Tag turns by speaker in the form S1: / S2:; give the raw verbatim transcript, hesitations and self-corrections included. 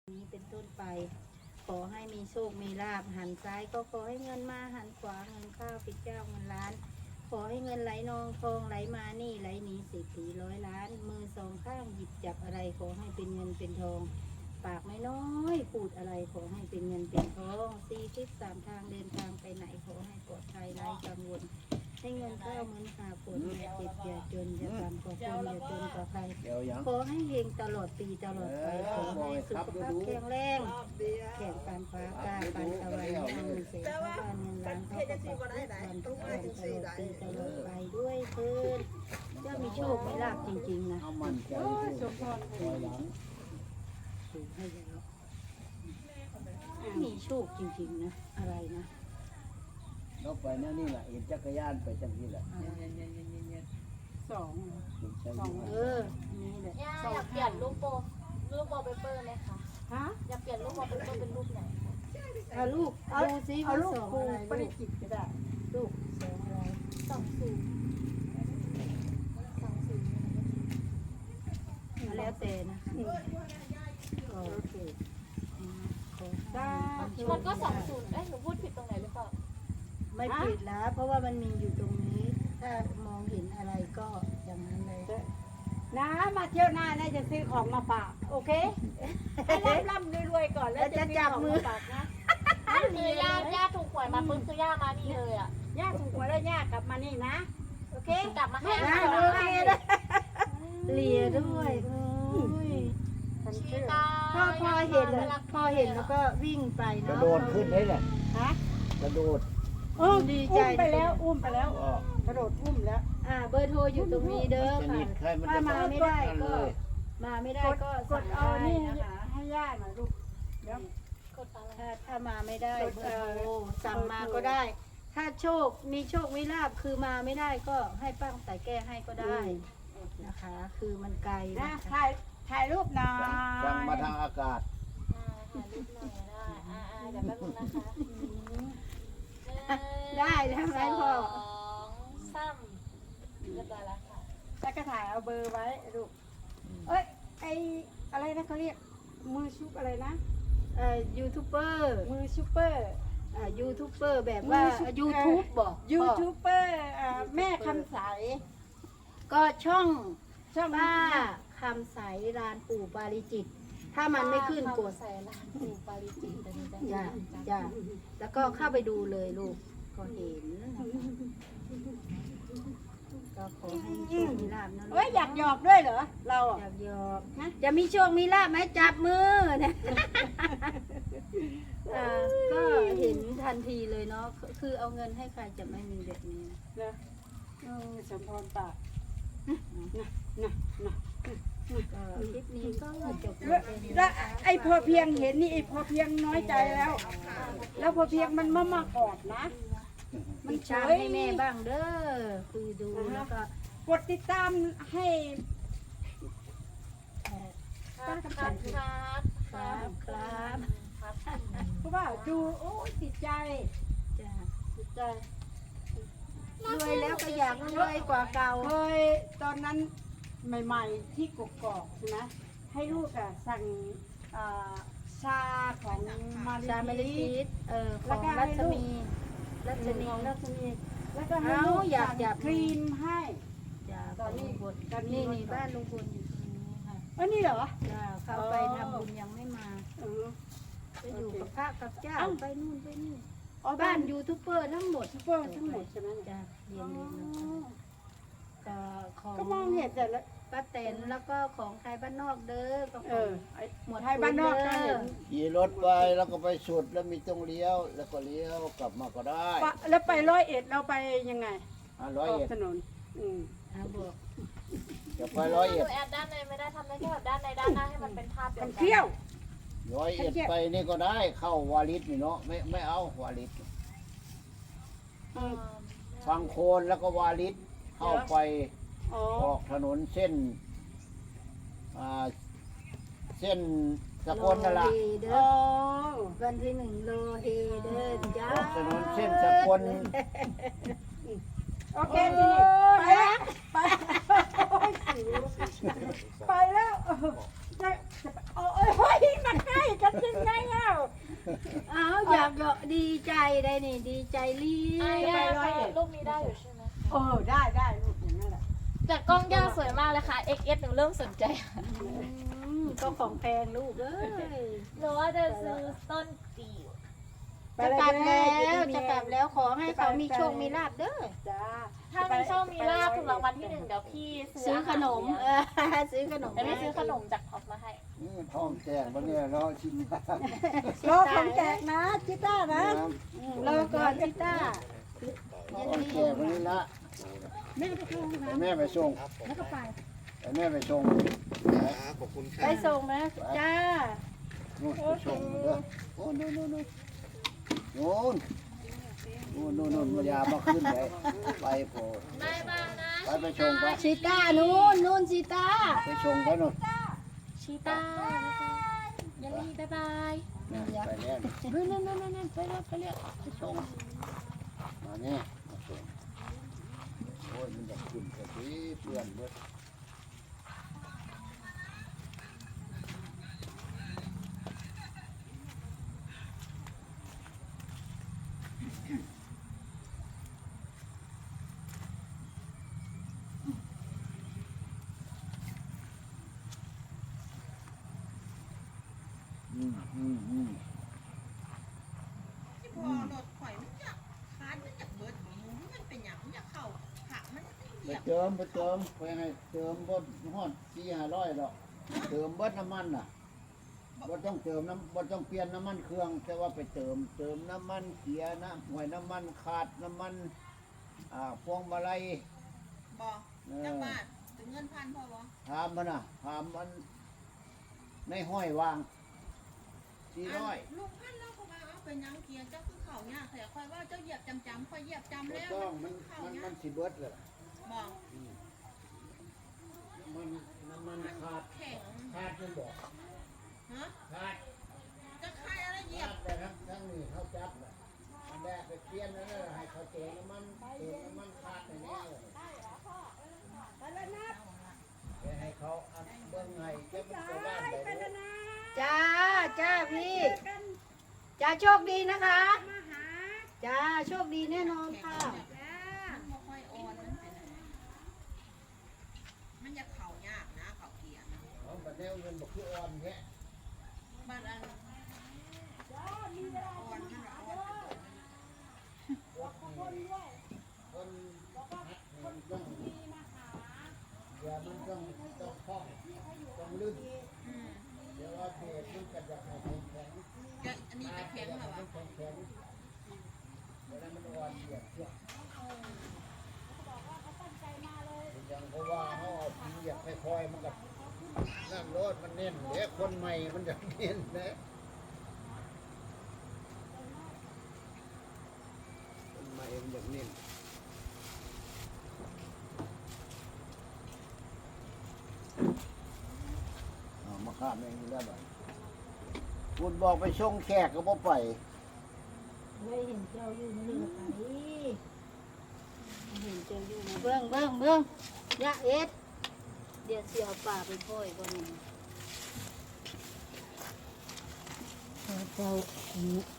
S1: นี้เป็นต้นไปขอให้มีโชคมีลาภหันซ้ายก็ขอให้เงินมาหันขวาเงินข้าวปิดเจ้าเงินล้านขอให้เงินไหลนองทองไหลมานี่ไหลหนีเศรษฐีร้อยล้านมือสองข้างหยิบจับอะไรขอให้เป็นเงินเป็นทองปากไม่น้อยพูดอะไรขอให้เป็นเงินเป็นทองสี่ทิศสามทางเดินทางไปไหนขอให้ปลอดภัยไร้กังวลให้เงินเข้าเหมือนหาฝนอย่าเจ็บอย่าจนอย่าต่ำกว่าคนอย่าจนกว่าใครขอให้เฮงตลอดปีตลอดไปขอให้สุขภาพแข็งแรงแข็งปานฟ้ากล้าปานตะวันทำเงินเสียบ้านเงินล้านเข้ากระเป๋าวันทุกวันตลอดปีตลอดไปด้วยเถิดจะมีโชคมีลาภจริงๆนะ
S2: สมพร
S1: ถูกให้แล้วมีโชคจริงๆนะอะไรนะ
S3: เราไปนั่นนี่แหละเห็นจักรยานไปจังที่แหละ
S2: สอง
S1: สองเออนี่แหละ
S4: ย่าอยากเปลี่ยนรูปโปรรูปวอลเปเปอร์ไหมคะ
S2: ฮะ
S4: อยากเปลี่ยนรูปวอลเปเปอร์เป็นรูปไหนคะ
S1: เอาลูกดูซิ
S2: เอา
S1: ว่า
S2: ลูก
S1: สอง
S2: ครู
S1: อะไร
S2: ปริจิตก็ได้
S1: ลูกสองอะไร
S4: สองศูนย์สองศูนย์
S1: แล้วแต่นะคะโอเคได้
S4: มันก็สองศูนย์เอ้ยหนูพูดผิดตรงไหนหรือเปล่า
S1: ไม่ผิดแล้วเพราะว่ามันมีอยู่ตรงนี้ ถ้ามองเห็นอะไรก็อย่างนั้นเลย
S2: นะมาเที่ยวหน้าเนี่ยจะซื้อของมาฝากโอเคให้ร่ำร่ำรวยๆก่อนแล้วจะจับมือฝากนะ
S4: คือย่าย่าถูกหวยมาปุ๊บคือย่ามานี่เลยอ่ะ
S2: ย่าถูกหวยแล้วย่ากลับมานี่นะโอเค
S4: กลับมาให้
S1: ได้
S4: อา
S1: โอเคนะเลียด้วยโอ้ย
S2: ฉัน
S4: ชี
S2: เชื่อ
S4: ตา
S1: พอพอเห็นแล้วพอเห็นแล้วก็วิ่งไป
S3: กระ
S1: เนาะ
S3: โดดขึ้นได้แหละ
S2: ฮะ
S3: กระโดด
S2: อุ้มดีใจไปแล้วอุ้มไปแล้ว
S3: ก็
S2: กระโดดอุ้มแล้ว
S1: อ่าเบอร์โทรอยู่ตรงนี้เด้อ
S3: สนิ
S1: ค่ะ
S3: ทใครมัน
S1: ถ้า
S3: จะ
S1: มาไม่ได้ก็
S3: เลย
S1: มาไม่ได้
S2: กด
S1: ก็
S2: ก
S1: สั่
S2: ด
S1: ง
S2: เอา
S1: ได้
S2: นี่
S1: นะคะ
S2: ให้ย่าหน่อยลูกเดี๋ยว
S4: กดอะไร
S1: ถ้าถ้ามาไม่ได้
S2: กด
S1: เบ
S2: เอ่
S1: อ
S2: อ
S1: ร์โทรสั่งมาก็ได้ ถ้าโชคมีโชคมีลาบคือมาไม่ได้ก็ให้ป้าแต่แก้ให้ก็ได้นะคะ คือมันไกล
S2: นะ
S1: นะคะ
S2: ถ่ายถ่ายรูปหน่อย
S3: สั่งมาทางอากาศ
S4: อ่าถ่ายรูปหน่อยได้อ่าอ่าเดี๋ยวแป๊บนึงนะคะ
S1: ได้แล้วไหมพ่อ
S4: สองสามเรียบร้อยแล้วค่ะ
S2: แล้วก็ถ่ายเอาเบอร์ไว้ลูกเอ้ยไออะไรนะเขาเรียกมือชุบอะไรนะ
S1: เอ่อยูทูบเบอร์
S2: มือชูเปอร์
S1: อ่ายูทูบเบอร์แบบว่า
S2: มือชุบ
S1: ยูทูบบอก
S2: ยูทูบเบอร์อ่าแม่คำใส
S1: ก็ช่อง
S2: ช่อง
S1: ป้าคำใสรานปู่ปาริจิต ถ้ามันไม่ขึ้นกด
S4: ใส่ร้านปูปาริจิตแต่นี่จัง
S1: จ้ะจ้ะแล้วก็เข้าไปดูเลยลูกก็เห็นนะคะก็ขอให้มีโชคมีลาภนะลูก
S2: เอ้ยอยากหยอกด้วยเหรอเราอ่ะ
S1: อยากหยอกนะจะมีโชคมีลาภไหมจับมือนะอ่าก็เห็นทันทีเลยเนาะคือเอาเงินให้ใครจะไม่มีแบบนี้นะ
S2: เนอะเออสมพรปากนะนะนะ
S1: ก็คลิปนี้ก็จบล
S2: แล้ว
S1: งไป
S2: แล้วไอ้พอเพียงเห็นนี่ไอ้พอเพียงน้อยใจแล้ว แล้วพอเพียงมันมามากอดนะ มัน
S1: ติด
S2: เฉ
S1: ตาม
S2: ย
S1: ให้แม่บ้างเด้อคือดูแล้วก็
S2: กดติดตามให้
S1: เอ่อ
S4: ครับครับครับ
S1: ครับครับ
S4: ครับ
S2: เพราะว่าดูโอ้ยติดใจ
S1: จ้ะ
S2: ติดใจ
S1: รวยแล้วก็อยากรวยกว่าเก่า
S2: เคยตอนนั้นใหม่ๆที่กกอกใช่ไหมให้ลูกอะสั่งอ่าชาของมา
S1: ชาเมลิ
S2: ลิ
S1: ฟิสเอ่อของรัชมีรัชนี
S2: ของรัชนีแล้วก็ให้
S1: เอา
S2: ลูก
S1: อยาก
S2: สั่ง
S1: อยาก
S2: ครีมให้
S1: จ้ะ
S2: ตอนนี้
S1: ของลุงพล
S2: ตอนนี้
S1: นี่นี่บ้านลุงพลอยู่ตรงนี้ค่ะ
S2: เอ้ยนี่เหรอ
S1: จ้ะเขาไปทำบุญยังไม่มา
S2: เออ
S1: ไปอยู่กับพระกับเจ้า
S2: เอ้า
S1: ไปนู่นไปนี่
S2: อ๋อ
S1: บ้านยูทูบเบอร์ทั้งหมด
S2: ซุปเปอร์ทั้งหมดใช่ไหมเนี่ย
S1: จ้ะเรียนเรียนก็ของ
S2: ก็มองเห็นแต่ละ
S1: ป้าแตนแล้วก็ของไทยบ้านนอกเด้อก็ข
S2: เอ
S1: อง
S2: อไอ้
S1: หมวด
S2: ไทยบ้านนอกก็เห็น
S3: ขี่รถไปแล้วก็ไปสุดแล้วมีตรงเลี้ยว แล้วก็เลี้ยวกลับมาก็ได้
S2: ปะแล้วไปร้อยเอ็ดเราไปยังไง
S3: อ่ะร้อย
S2: ออก
S3: เอ็ด
S2: ถนนอืม
S1: อ่าบวก
S3: จะไปร้อย
S4: ห
S3: เอ็
S4: นู
S3: ด
S4: แอดด้านในไม่ได้ทำได้แค่แบบด้านในด้านหน้าให้มันเป็นภาพเดียว
S2: มัน
S4: กัน
S2: เที่ยว
S3: ร้อยเอ็ดไปนี่ก็ได้เข้าวาลิสนี่เนาะไม่ไม่เอาวาลิส
S4: อืม
S3: ฟังโคนแล้วก็วาลิสเข้าไป
S2: อ๋อ
S3: ออกถนนเส้นอ่าเส้นสกลนั่นละ
S1: โลเฮเด้
S2: อ๋
S1: อ
S2: อ
S1: วันที่หนึ่งโลเฮเด้อจ้า
S3: ออกถนนเส้นสกล
S2: โอเคทีนี้ไปแล้วไปโอ้ยสิวไปแล้วจะจะโอ้ยเฮ้ยมาใกล้กัน
S1: ากเยอะดีใจได้นี่ดีใจรี
S4: อ่ะ
S1: บ
S4: ย่าค่ะรูปนี้ได้อยู่ใช่ไหม
S2: เออได้ได้ลูกอย่างนั้นแหละ
S4: แต่กล้องย่าสวยมากเลยค่ะ เอ็กซ์ เอส หนูเริ่มสนใจ
S1: อืมก็ของแพงลูกเอ้ย
S4: หนูว่าจะซื้อต้นจิ๋ว
S1: จะกลับแล้วจะกลับแล้วขอให้เขามีโชคมีลาบเด้อ
S2: จ้า
S4: ถ้ามีโชคมีลาภถูกรางวัลที่หนึ่งเดี๋ยวพี่ซื้
S1: ซื้อขนม
S4: อา
S1: เอ
S4: หาร
S1: อซื้อขนม
S4: เดี๋ยวพี่ซื้อขนมจากท็อปมาให้
S3: นี่ท้องแตกบ่เนี่ยเนาะชิ้นน้
S2: รอของแจกนะจิต้านะ
S3: ำ
S1: อืมรอก่อนจิต้า
S3: ท้องแตกบ่นี่ละ
S2: แม่ไปเข้าห้อง
S3: ให้
S2: น้
S3: แม่ไปส่ง
S2: ำแล้วก็ไป
S3: ให้แม่ไปส่ง
S5: ขอบคุณค
S1: ไป
S5: รับ
S1: ส่งนะจ้า
S3: นู่นไปส่งเด้อโอ้นู่นนู่นนู่นนู่นนู่นนู่นมายามาขึ้นไปไปโพด
S4: บายบายนะ
S3: ไปไปส่งไป
S1: ชิต้านู่นนู่นชิต้า
S3: ไปส่งไปนู่น
S4: ชีตายันลี่บายบาย
S3: เนี่ยไปแล้วนู่นนู่นนู่นนู่นไปแล้วไปแล้วไปส่งมาเนี่ยมาส่งโอ้ยมันอยากขึ้นแต่ทีเพื่อนเบิด อืมอืมอืม
S6: ที่พอรถข่อยมันอยากคานมันอยากเบิดของมึงมันเป็นอย่างมันอยากเข้าผักมันเห
S3: ไป
S6: ยียบ
S3: เติมไปเติมไปให้เติมบดฮอดสี่ห้าร้อยดอกเติมเบดน้ำมันน่ะบ่ต้องเติมน้ำบ่ต้องเปลี่ยนน้ำมันเครื่องแต่ว่าไปเติม เติมน้ำมันเกียร์น้ำหวยน้ำมันขาดน้ำมันอ่าพวงมาลัย
S6: บอก
S3: เอ
S6: จัง
S3: อ
S6: บาทถึงเงินพันพอบ่
S3: ถามมันน่ะถามมันในห้อยวางสี่ร้อย
S6: ลุงพันเราก็ว่าเอาเป็นหยังเกียร์เจ้าคือเข่าเนี่ยแต่ค่อยว่าเจ้าเหยียบจำจำค่อยเหยียบจำ
S3: บ่
S6: แล้ว
S3: ต้องมัน
S6: เข่า
S3: มัน
S6: เนี่ย
S3: มันสิเบิดเลย
S6: บอก
S3: มันน้ำมันขาด
S6: แข็ง
S3: ขาดมันบอก
S6: ฮะ
S3: ขาด
S6: จะใครอะไรเหยีย
S3: จั
S6: บบ
S3: เลยครับทั้งนี้เขาจับเลยอันแรกไปเปลี่ยนนั่นแหละให้เขาเจอน้ำมันเจอน้ำมันขาดในนี้เลยไปให้เขาอันเบิ้งให้เจ้าเป็นตัวบ้านไปเลย
S1: จ้าจ้าพี่จ้าโชคดีนะคะจ้าโชคดีแน่นอนค่ะ
S6: มันบ่ค่อยอ่อนมันเป็นอะไรมันอยากเข่ายากนะเข่าเกียร์นะ
S3: เอาบัดแนวเงินบอกคืออ่อนแค่
S6: บ้านอันอ่อนมันละอ่อนเป็นตัว
S3: คนคนหัดมันต้องอย่ามันต้องต้องคล่องต้องลื่น
S6: อืม
S3: เดี๋ยวว่าเพจมันก็จะให้แข็งแข็ง
S6: ก็อันนี้ก็แข็งเหรอวะ
S3: แข็งแข็งเวลามันอ่อนเหยียบเชือกอย่างเพราะว่าเขาเอาทีเหยียบค่อยๆมันก็นั่นรถมันเน้นเดี๋ยวคนใหม่มันจะเน้นนะคนใหม่มันจะเน้นเอามาข้ามเองอยู่แล้วบ่คุณบอกไปส่งแขกก็บ่ไป
S1: ไม่เห็นเจ้าอยู่นี่เลยไปเห็นเจ้าอยู่นะเบื้องเบื้องเบื้องยะเอ็ดเดี๋ยวเสียวป่าไปพ่อยก่อนนี่เจ้า